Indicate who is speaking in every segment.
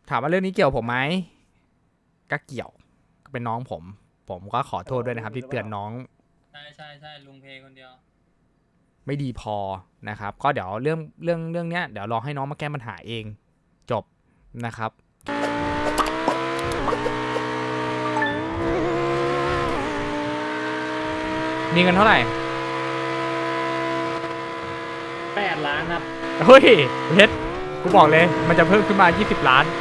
Speaker 1: ถามว่าเรื่องนี้เกี่ยวผมไหมก็เกี่ยวก็เป็นน้องผมก็ขอโทษด้วยนะครับที่เตือนน้อง
Speaker 2: ใช่ลุงเพคนเดียว
Speaker 1: ไม่ดีพอนะครับก็เดี๋ยวเรื่องเนี้ยเดี๋ยวรอให้น้องมาแก้ปัญหาเองจบนะครับมีเงินเท่าไหร่
Speaker 2: 8 ล้านครับ
Speaker 1: เฮ้ยเพชรกูบอกเลยมันจะเพิ่มขึ้นมา20 ล้าน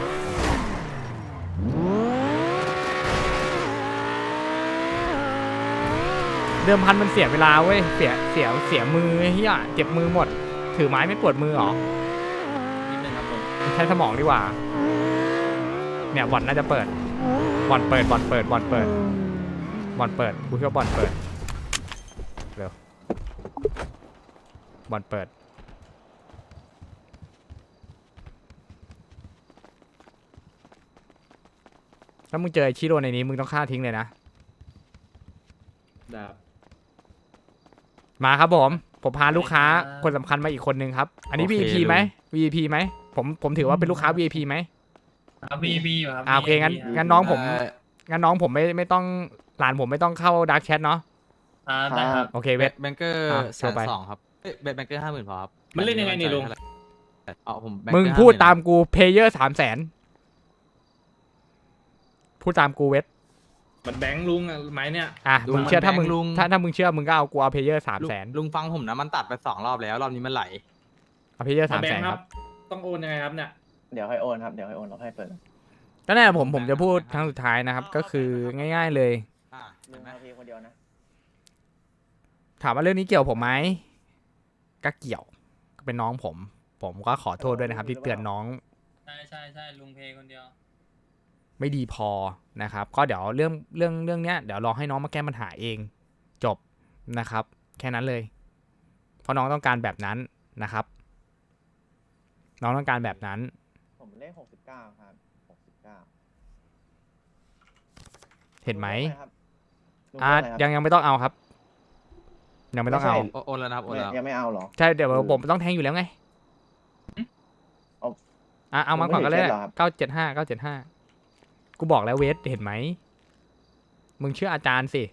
Speaker 1: เดิมพันมันเสียเวลาเว้ยเสียมือเฮียเจ็บมือหมดถือไม้ไม่ปวดมือหรอ
Speaker 2: นิดนึงครับผม
Speaker 1: ใช้สมองดีกว่าเนี่ยบ่อนน่าจะเปิดบ่อนเปิดกูเชื่อบ่อนเปิดเร็วบ่อนเปิดถ้ามึงเจอไอชิโร่ในนี้มึงต้องฆ่าทิ้งเลยนะมาครับผมพาลูกค้าคนสำคัญมาอีกคนนึงครับอันนี้ VIP ไหม VIP ไหมผมถือว่าเป็นลูกค้า VIP ไหม
Speaker 2: VIP อยู่ครับ
Speaker 1: โอเคงั้นน้องผมไม่ต้องหลานผมไม่ต้องเข้าดาร์กแชทเนาะ
Speaker 2: ได้ครับ
Speaker 1: โอเคเวท
Speaker 3: แบงเกอร์100,002ครับแบงเกอร์50,000พอครับ
Speaker 2: มันเล่นยังไงนี่ลุง
Speaker 3: ผม
Speaker 1: มึงพูดตามกูเพเยอร์300,000พูดตามกูเวท
Speaker 2: มันแบงค์ลุงไหมเนี่ย
Speaker 1: มึงเชื่อถ้ามึงเชื่อมึงก็เอากูเอาเพเยอร์300,000
Speaker 3: ลุงฟังผมนะมันตัดไป2 รอบแล้วรอบนี้มันไหล
Speaker 1: เอาเพเยอร์300,000ครับ
Speaker 2: ต้องโอนยังไงครับเนี่ย
Speaker 4: เดี๋ยวให้โอนครับเดี๋ยวให้โอนเราให้เปิด
Speaker 1: ก็แน่ผมจะพูดครั้งสุดท้ายนะครับก็คือง่ายๆเลย
Speaker 4: มึงเอาเพียงคนเดียวนะ
Speaker 1: ถามว่าเรื่องนี้เกี่ยวผมไหมก็เกี่ยวก็เป็นน้องผมก็ขอโทษด้วยนะครับที่เตือนน้อง
Speaker 2: ใช่ลุงเพคนเดียว
Speaker 1: ไม่ดีพอนะครับก็เดี๋ยวเรื่องเนี้ยเดี๋ยวรอให้น้องมาแก้ปัญหาเองจบนะครับแค่นั้นเลยเพราะน้องต้องการแบบนั้นนะครับน้องต้องการแบบนั้น
Speaker 4: ผมเลข69ครับ69
Speaker 1: เห็นไหม
Speaker 4: ยัง
Speaker 1: ยังไม่ต้องเอาครับยังไม่ต้องเอา
Speaker 3: โอนแล้วนะครับโอนแล้ว
Speaker 4: ยังไม่เอาหรอ
Speaker 1: ใช่เดี๋ยวผมต้องแทงอยู่แล้วไงเอามาก่อนก็เลย975กูบอกแล้วเวทเห็นไหมมึงเชื่ออาจารย์สิ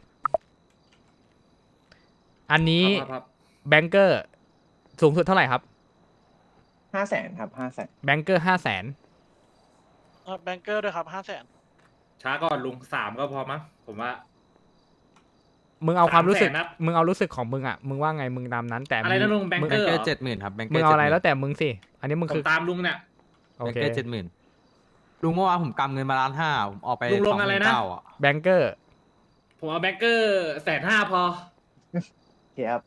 Speaker 1: อันนี้แบงเกอร์สูงสุดเท่าไหร่ครับ
Speaker 4: 500,000ครับ500,000
Speaker 1: แบงเกอร์
Speaker 5: แบงเกอร์ด้วยครับ500,000
Speaker 2: ช้าก่อนลุง3ก็พอมั้งผมว่า
Speaker 1: มึงเอาความรู้สึกมึงเอารู้สึกของมึงอ่ะมึงว่าไงมึงตามนั้นแต่
Speaker 2: อะไรนะลุงแบงเกอร์
Speaker 3: 70,000ครับแบงเกอร์
Speaker 1: มึงเอาอะไรแล้วแต่มึงสิอันนี้มึงคือ
Speaker 2: ตามลุงเนี่ย
Speaker 1: โอเค
Speaker 3: แบงเกอร์70,000ลุงเมื่อวานผมกำเงินมา1,500,000ผมออกไป
Speaker 2: ลุงลงอะไรนะ
Speaker 1: แบงเกอร์
Speaker 2: ผมเอาแบงเกอร์150,000พอ
Speaker 4: ครับ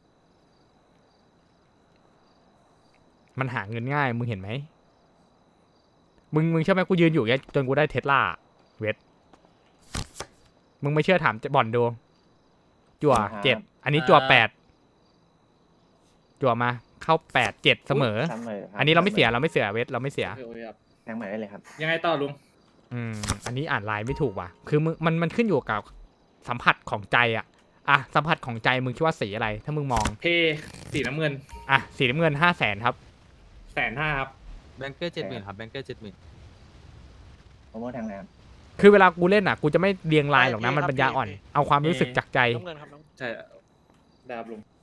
Speaker 1: มันหาเงินง่ายมึงเห็นไหมมึงเชื่อไหมกูยืนอยู่แค่จนกูได้เทสลาเวทมึงไม่เชื่อถามบ่อนดูจั่ว7อันนี้จั่ว8จั่วมาเข้า8 7เสมออันนี้เราไม่เสียเวทเราไม่เสีย
Speaker 4: แทงใหม่ได้เลยครับ
Speaker 2: ยังไงต่อลุง
Speaker 1: อันนี้อ่านลายไม่ถูกว่ะคือมันขึ้นอยู่กับสัมผัสของใจอ่ะสัมผัสของใจมึงคิดว่าสีอะไรถ้ามึงมอง
Speaker 2: สีน้ำเงิน
Speaker 1: สีน้ำเงิน500,000ครับ
Speaker 2: 150,000ครับ
Speaker 3: แบงเกอร์70,000ครับแบงเกอร์70,000
Speaker 4: ผมว่าแทงแล้ว
Speaker 1: คือเวลากูเล่นกูจะไม่เรียงลายหรอกนะมันปัญญาอ่อนเอาความรู้สึกจากใจ
Speaker 2: ใช่ดาบลุง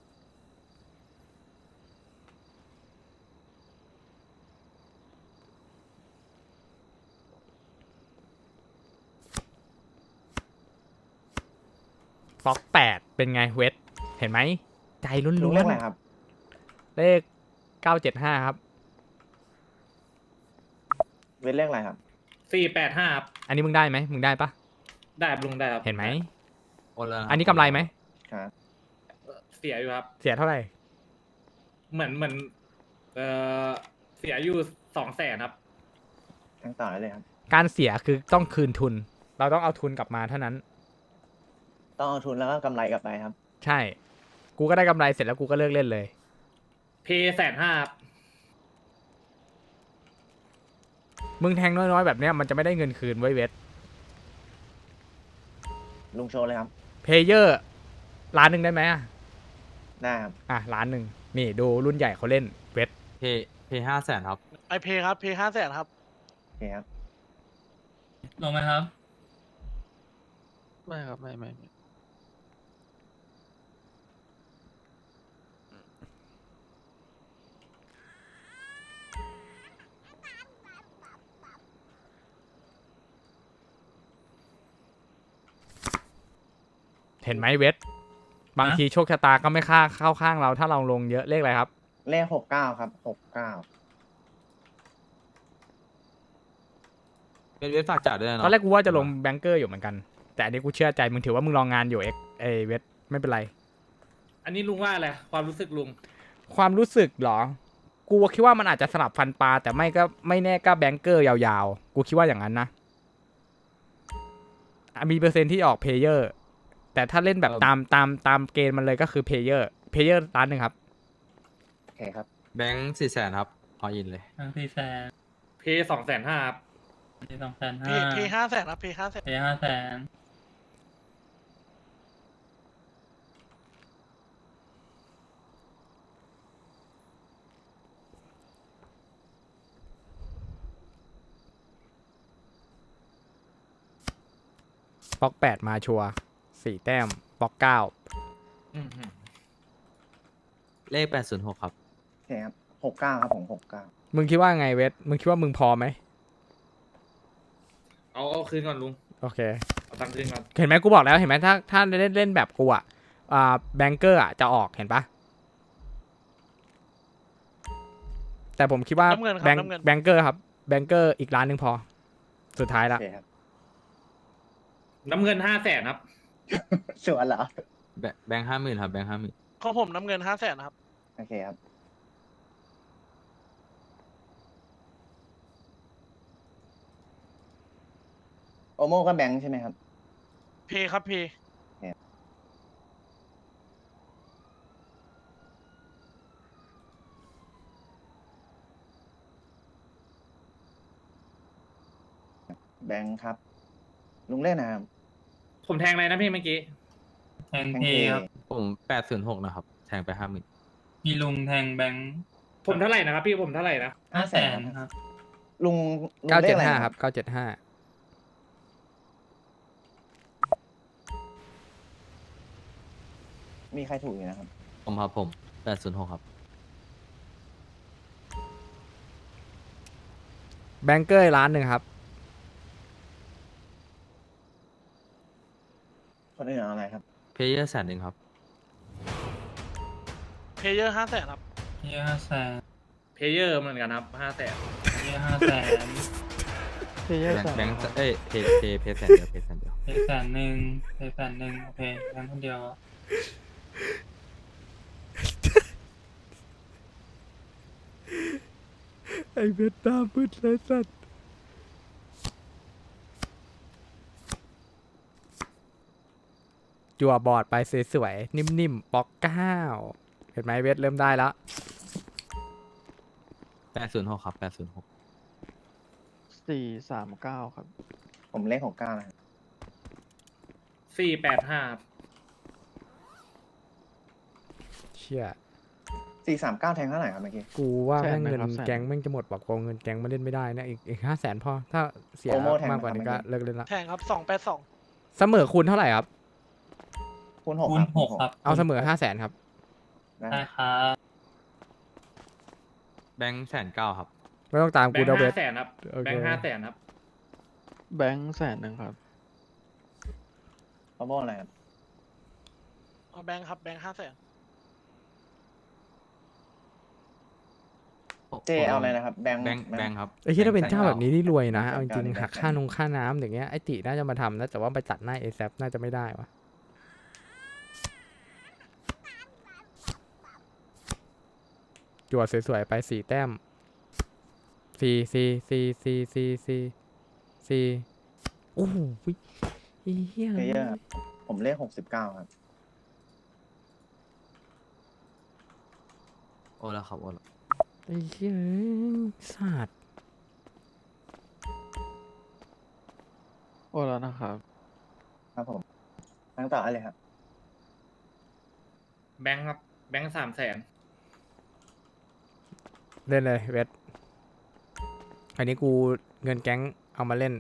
Speaker 1: ฟ็อก8เป็นไงเวทเห็นไหมใจลุ้นๆ
Speaker 4: เลขอะไรครับ
Speaker 1: เลข975ครับ
Speaker 4: เวทเลขอะไรครับ
Speaker 2: 485ครับ
Speaker 1: อันนี้มึงได้ไหมมึงได้ปะ
Speaker 2: ได้ลุงได้ครับ
Speaker 1: เห็นไหม
Speaker 3: อั
Speaker 1: นนี้กำไรไหม
Speaker 4: ครับ
Speaker 2: เสียอยู่ครับ
Speaker 1: เสียเท่าไหร่
Speaker 2: เหมือนเสียอยู่200,000ครับ
Speaker 4: ทั้งต่อเลยครับ
Speaker 1: การเสียคือต้องคืนทุนเราต้องเอาทุนกลับมาเท่านั้น
Speaker 4: ต้องเอาทุนแล้วก็กำไรกลับไปครับ
Speaker 1: ใช่กูก็ได้กำไรเสร็จแล้วกูก็เลิกเล่นเลย
Speaker 2: 150,000ครับ
Speaker 1: มึงแทงน้อยๆแบบเนี้ยมันจะไม่ได้เงินคืนไว้เวท
Speaker 4: ลุงโชว์เลยครับ
Speaker 1: เพเยอร์1,000,000ได้ไหม
Speaker 4: ได้ครับ
Speaker 1: 1,000,000นี่ดูรุ่นใหญ่เขาเล่นเวท
Speaker 3: เพ500,000ครับ
Speaker 5: ไอเพครับเพ500,000ครับ
Speaker 4: เคครับ
Speaker 6: ลงไหมครับ
Speaker 5: ไม่ครับไม่
Speaker 1: เห็นไหมเวทบางทีโชคชะตาก็ไม่เข้าข้างเราถ้าเราลงเยอะเลขอะไรครับ
Speaker 4: เลข69ครับ69
Speaker 3: เป็นเว็บฝากจ่ายด้วยนะ
Speaker 1: ตอน
Speaker 3: เนาะ
Speaker 1: แรกกูว่าจะลงแบงเกอร์อยู่เหมือนกัน แต่อันนี้กูเชื่อใจมึงถือว่ามึงลองงานอยู่เอเวทไม่เป็นไร
Speaker 2: อันนี้ลุงว่าอะไรความรู้สึกลุง
Speaker 1: ความรู้สึกเหรอ กูคิดว่ามันอาจจะสลับฟันปลาแต่ไม่แน่ก็แบงเกอร์ยาวๆ กูคิดว่าอย่างนั้นนะมีเปอร์เซ็นต์ที่ออกเพลเยอร์ แต่ถ้าเล่นแบบตามเกณฑ์มันเลยก็คือเพลเยอร์ร้านหนึ่งครับ
Speaker 4: โอเคครับ
Speaker 3: แบงค์400,000ครับออินเลย
Speaker 6: ทั้ง400,000
Speaker 2: เพย์250,000ครับ
Speaker 6: 250,000
Speaker 5: เพย์500,000ครับเพย์500,000
Speaker 6: เพย์500,000
Speaker 1: บล็อก8มาชัวร์4แต้มบล็อก9
Speaker 2: อืม
Speaker 3: เลข806ครับ
Speaker 4: โอเคครับ69ครับผม69
Speaker 1: มึงคิดว่าไงเวทมึงคิดว่ามึงพอไหม
Speaker 2: เอาคืนก่อนลุง
Speaker 1: โอเค
Speaker 2: เอาตังค์คืนก่อน
Speaker 1: เห็นไหมกูบอกแล้วเห็นไหมถ้าเล่นแบบกูอ่ะแบงเกอร์อ่ะจะออกเห็นปะแต่ผมคิดว่า
Speaker 5: น้ำเงินครับ
Speaker 1: แบง
Speaker 5: น้ำเงิน
Speaker 1: แบงเกอร์ครับแบงเกอร์อีกร้านหนึ่งพอ สุดท้าย
Speaker 4: โอ
Speaker 1: ละ
Speaker 4: เคครับ
Speaker 2: น้ำเงิน500,000ครับ
Speaker 4: สวนเหรอ
Speaker 3: แบงค์50,000ครับแบงค์50,000
Speaker 5: ของผมน้ำเงิน500,000นะครับ
Speaker 4: โอเคครับ โอโมก็แบงค์ใช่ไหมครับ
Speaker 5: เพย์ครับเพย์
Speaker 4: แบงค์ครับ ลุงเล่นนะครับ
Speaker 2: ผมแทงอะไรนะพี่เมื่อกี้
Speaker 6: แทงเพย์ครับ
Speaker 3: ผม806นะครับแทงไป50,000
Speaker 6: มีลุงแทงแบงค์
Speaker 2: ผมเท่าไหร่นะครับพี่ผมเท่าไหร่นะ
Speaker 6: 500,000 ครับ
Speaker 4: ลุงเลขอะไร
Speaker 1: 975ครับ975
Speaker 4: มีใครถูกอยู่นะครับ
Speaker 3: ผมครับผม806ครับ
Speaker 1: แบงเกอร์ร้านหนึ่งครับ
Speaker 4: คนอื่นเอาอะไรครับ
Speaker 3: เพย์เยอร์100,000ครับ
Speaker 5: เพย์เยอร์500,000ครับ
Speaker 6: เพย์500,000
Speaker 2: เพเยอร์เหมือนกันครับ500,000
Speaker 6: เพย์500,000
Speaker 3: แบงค์เพย์แสนเดียวเพย์แสนเดียว
Speaker 6: เพย์100,000เพย์100,000โอเคแบงค์คนเดียว
Speaker 1: ไอเวทตามืดเลยสัตว์จั่วบอร์ดไปสวยๆนิ่มๆบล็อก9เห็นไหมเวทเริ่มได้แล้ว
Speaker 3: 806ครับ806
Speaker 7: 439 ครับ
Speaker 4: ผมเลข69นะครับ
Speaker 2: 485ครับ
Speaker 1: เชี่ย
Speaker 4: 439แทงเท่าไหร่ครับเมื่อกี้
Speaker 1: กูว่า
Speaker 7: แส
Speaker 1: แม่
Speaker 7: น
Speaker 1: ง
Speaker 7: หนึ่
Speaker 1: เงิ
Speaker 7: ง
Speaker 1: น
Speaker 7: ครับแสน
Speaker 1: แก๊งแม่งจะหมดบอกโกงเงินแก๊งมาเล่นไม่ได้นะอีก500,000พอถ้าเสีย
Speaker 4: โอโม่แทง
Speaker 1: มากกว่านี้ก็
Speaker 4: นะครับ
Speaker 1: เลิกเล่นละ
Speaker 5: แทงครับ282
Speaker 1: เสมอคูณเท่าไหร่ครับ
Speaker 4: คูณ6
Speaker 6: คู
Speaker 4: ค
Speaker 6: ณ
Speaker 4: รับ
Speaker 6: 6ครับ
Speaker 1: เอาเสมอ500,000ครับ
Speaker 4: ได้
Speaker 6: ได้ครับ
Speaker 3: แบงค์109,000ครับ
Speaker 1: ไม่ต้องตาม
Speaker 2: แบ
Speaker 1: กู
Speaker 2: งค์
Speaker 1: เดาเวท
Speaker 2: 500,000ครับ
Speaker 1: โอเค
Speaker 2: แบงค์500,000ครับ
Speaker 7: แบงค์100,000ครับ
Speaker 4: โอโมอะไรครับ
Speaker 5: เอาแบงค์ครับแบงค์500,000
Speaker 4: เจเอาอะไรนะครับ แบงค์
Speaker 3: แบงค์ครับ
Speaker 1: ไอ้ที่ถ้าเป็นเจ้าแบบนี้นี่รวยนะ
Speaker 4: แบงค์
Speaker 1: เอาจริง
Speaker 4: แบงค์
Speaker 1: ๆหักค่าน้ำอย่างเงี้ยไอติน่าจะมาทำนะแต่ว่าไปตัดหน้าเอซน่าจะไม่ได้วะจั่วสวยๆไป4แต้ม4โอ้โหเฮีย
Speaker 4: เพลเยอร์ครับผมเลข69ครับ
Speaker 3: โอ้แล้วครับโอ้แล้ว
Speaker 1: ไอ้เหี้ยสัตว์
Speaker 7: โอ้แล้วนะครับ
Speaker 4: ครับผมทั้งต่ออะไรครับ
Speaker 2: แบงค์ครับแบงค์300,000
Speaker 1: เล่นเลยเวทอันนี้กูเงินแก๊งเอามาเล่น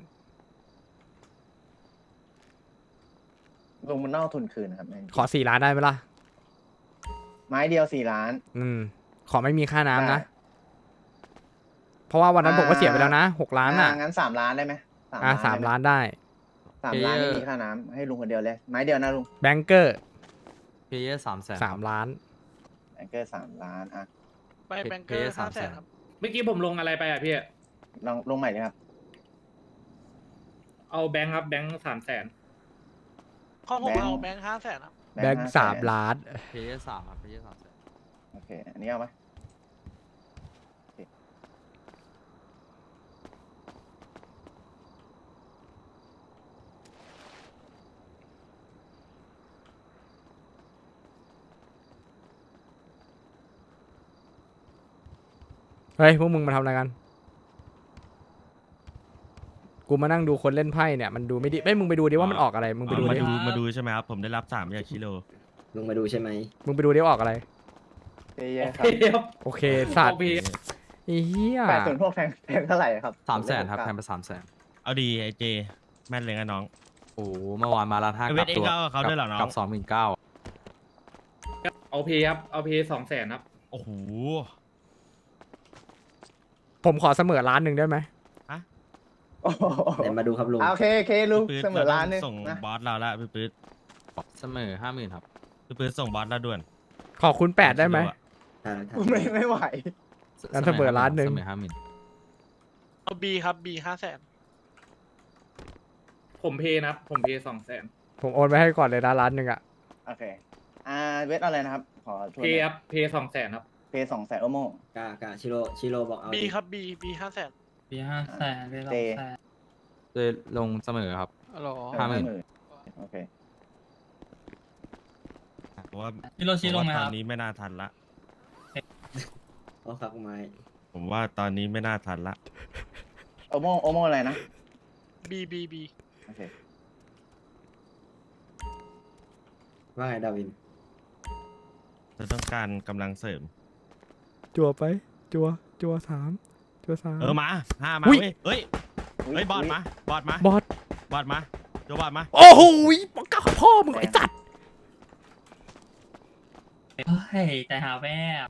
Speaker 4: ลุงมันนอกทุนคืนนะครับ
Speaker 1: ขอ4 ล้านได้ไหมล่ะ
Speaker 4: ไม้เดียว4 ล้าน
Speaker 1: ขอไม่มีค่าน้ำนะ
Speaker 4: ได้
Speaker 1: เพราะว่าวันนั้นผมก็เสียไปแล้วนะ6 ล้านอ่ะ
Speaker 4: งั้น3 ล้านได้ไหม
Speaker 1: 3 ล้านได้
Speaker 4: 3 ล้านไม่มีค่าน้ำให้ลุงคนเดียวเลย ไม้เดียวนะลุง
Speaker 1: แบงเกอร์
Speaker 3: เพย์เยอร์300,000
Speaker 1: 3 ล้าน
Speaker 4: แบงเกอร์3 ล้านอ่ะ
Speaker 5: ไปแบงเกอร์
Speaker 3: เพย์
Speaker 5: 500,000 ครับ
Speaker 2: เมื่อกี้ผมลงอะไรไปอ่ะพี่
Speaker 4: ลงใหม่เลยครับ
Speaker 2: เอาแบงค์ครับแบงค์300,000
Speaker 5: ข้อผม
Speaker 4: แบงค์
Speaker 5: เอาแบงค์500,000 ครับ
Speaker 1: แบงค์ 3 ล้าน
Speaker 3: เพย์เยอร์3ครับเพย์เยอร์300,000
Speaker 4: โอเค อันนี้เอาไหม
Speaker 1: เฮ้ย พวกมึงมาทำอะไรกัน กูมานั่งดูคนเล่นไพ่เนี่ย มันดูไม่ดีเอ้ยมึงไปดูดิว่ามันออกอะไร มึงไปดู
Speaker 8: มา
Speaker 1: ดิ
Speaker 8: ดูมาดูใช่ไหมครับ ผมได้รับ3จากชิโร่
Speaker 9: ลุงมาดูใช่ไหม
Speaker 1: มึงไปดูดิว่าออกอะไร
Speaker 4: เพย์เยอ
Speaker 2: โอ
Speaker 4: ร์
Speaker 2: เค
Speaker 4: ครับ
Speaker 2: ครับ
Speaker 1: โอเค สัตว์
Speaker 2: โอเค
Speaker 1: ไอ้เหี้ย
Speaker 4: 806แทงเท่าไหร่ครับ
Speaker 3: 300,000ครับแทนไป300,000
Speaker 8: เอาดีไอเจ แม่นเลยนะน้อง
Speaker 3: โอ้โหเมื่อวานมาร้านห้า
Speaker 8: เว
Speaker 3: กั
Speaker 8: ท
Speaker 3: บ
Speaker 8: เอ็ก
Speaker 3: ตัว
Speaker 8: ซ์ก็เอาเขาด้วยเหรอน้อง
Speaker 3: กับ29,000
Speaker 2: เอาเพย์ครับเอาเพย์200,000ครับ
Speaker 8: โอ้โห
Speaker 1: ผมขอเสมอล้านหนึ่งได้ไหม
Speaker 4: โอ้โห
Speaker 9: ไหนมาดูครับลุง
Speaker 4: โอเคโอเคลุง
Speaker 8: ปื๊ด
Speaker 4: เสมอล้านหนึง
Speaker 8: ส่ง
Speaker 4: นะ
Speaker 8: บอสเราละพี่ปื๊ด
Speaker 3: เสมอ 50,000 ครับ
Speaker 8: พี่ปื๊ดส่งบอสเราด่วน
Speaker 1: ขอคุณ8ได้ไหม
Speaker 4: ไม่ไหว
Speaker 1: งั้นเสมอล้านหนึ่ง
Speaker 3: เสมอ 50,000
Speaker 5: เอา B ครับ B 500,000
Speaker 2: ผมเพย์นะครับผมเพย์200,000
Speaker 1: ผมโอนไปให้ก่อนเลยนะล้านหนึ่งอ่ะ
Speaker 4: โอเค เวทอะไรนะครับ ขอทวน
Speaker 2: เพย์ครับเพย์200,000ครับ
Speaker 4: เพย์200,000โอโม
Speaker 9: กาชิโร่บอกเอา
Speaker 5: B
Speaker 9: ดิ
Speaker 5: ครับ B 500,000
Speaker 6: ปี500,000ได้200,000
Speaker 3: เลยลงเสมอครับ
Speaker 5: อ๋อเหรอ
Speaker 4: 50,000โอเค
Speaker 8: เพราะว่า
Speaker 6: ชิโรชิลงไหม
Speaker 8: ต
Speaker 6: ค
Speaker 8: อน
Speaker 6: รับ
Speaker 8: นี้ไม่น่าทันละ
Speaker 9: เอาครับไม้
Speaker 8: ผมว่าตอนนี้ไม่น่าทันละ
Speaker 4: โอโมอะไรนะ
Speaker 5: B B B
Speaker 4: โอเค
Speaker 9: ว่าไงดาวิน
Speaker 8: จะต้องการกำลังเสริม
Speaker 1: จัวไป จัว3 จัว3
Speaker 8: มา5มา
Speaker 1: อุ๊ย
Speaker 8: เว้ยเฮ้ยบอสมาบอสมา
Speaker 1: บอส
Speaker 8: บอสมาโจบอสมา
Speaker 1: โอ้โหปากกาพ่อมึงไอ้สัตว์
Speaker 6: เฮ้ยใจหาแวบ